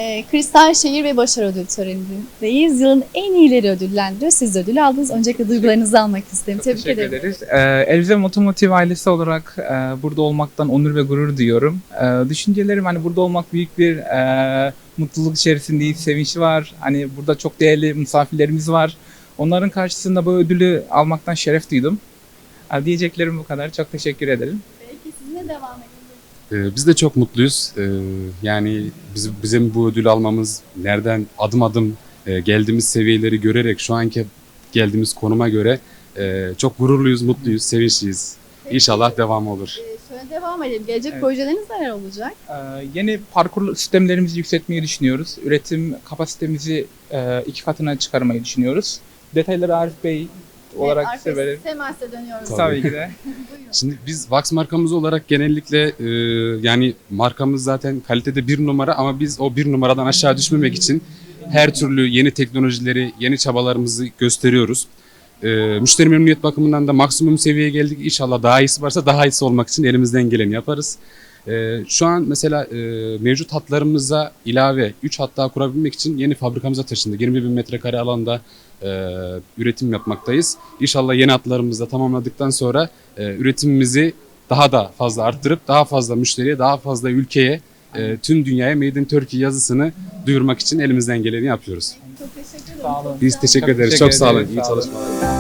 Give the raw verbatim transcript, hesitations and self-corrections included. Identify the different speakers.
Speaker 1: e, Kristal Şehir ve Başarı Ödül törenindeyiz. Yılın en iyileri ödüllendiriyor. Siz de ödülü aldınız. Öncelikle duygularınızı almak isterim. Tebrik
Speaker 2: Teşekkür
Speaker 1: ederim.
Speaker 2: ederiz. Ee, Elzem Otomotiv ailesi olarak e, burada olmaktan onur ve gurur duyuyorum. E, düşüncelerim hani burada olmak büyük bir e, mutluluk içerisindeyiz, sevinç var. Hani burada çok değerli misafirlerimiz var. Onların karşısında bu ödülü almaktan şeref duydum. E, diyeceklerim bu kadar. Çok teşekkür ederim.
Speaker 1: Belki sizinle devam edelim.
Speaker 3: Ee, Biz de çok mutluyuz. Ee, Yani biz, bizim bu ödülü almamız, nereden adım adım e, geldiğimiz seviyeleri görerek şu anki geldiğimiz konuma göre e, çok gururluyuz, mutluyuz, sevinçliyiz. İnşallah devamı olur.
Speaker 1: Ee, şöyle devam edelim. Gelecek
Speaker 2: Evet.
Speaker 1: projeleriniz neler olacak?
Speaker 2: E, yeni parkur sistemlerimizi yükseltmeyi düşünüyoruz. Üretim kapasitemizi e, iki katına çıkarmayı düşünüyoruz. Detayları Arif Bey olarak
Speaker 1: Evet,
Speaker 2: size verelim.
Speaker 1: Temas'e dönüyoruz.
Speaker 3: Tabii.
Speaker 2: Tabii ki de.
Speaker 1: Buyurun.
Speaker 3: Şimdi biz Vax markamız olarak genellikle e, yani markamız zaten kalitede bir numara ama biz o bir numaradan aşağı düşmemek için her türlü yeni teknolojileri, yeni çabalarımızı gösteriyoruz. E, müşteri memnuniyet bakımından da maksimum seviyeye geldik. İnşallah daha iyisi varsa daha iyisi olmak için elimizden geleni yaparız. E, şu an mesela e, mevcut hatlarımıza ilave üç hat daha kurabilmek için yeni fabrikamıza taşındık. yirmi bin metrekare alanda e, üretim yapmaktayız. İnşallah yeni hatlarımızı da tamamladıktan sonra e, üretimimizi daha da fazla arttırıp daha fazla müşteriye, daha fazla ülkeye, e, tüm dünyaya Made in Turkey yazısını duyurmak için elimizden geleni yapıyoruz.
Speaker 1: Çok teşekkür ederim.
Speaker 2: Sağ olun.
Speaker 3: Biz teşekkür
Speaker 2: Çok
Speaker 3: ederiz.
Speaker 2: teşekkür
Speaker 3: Çok sağ olun.
Speaker 2: ederiz.
Speaker 3: İyi
Speaker 2: Sağ olun.
Speaker 3: çalışmalar.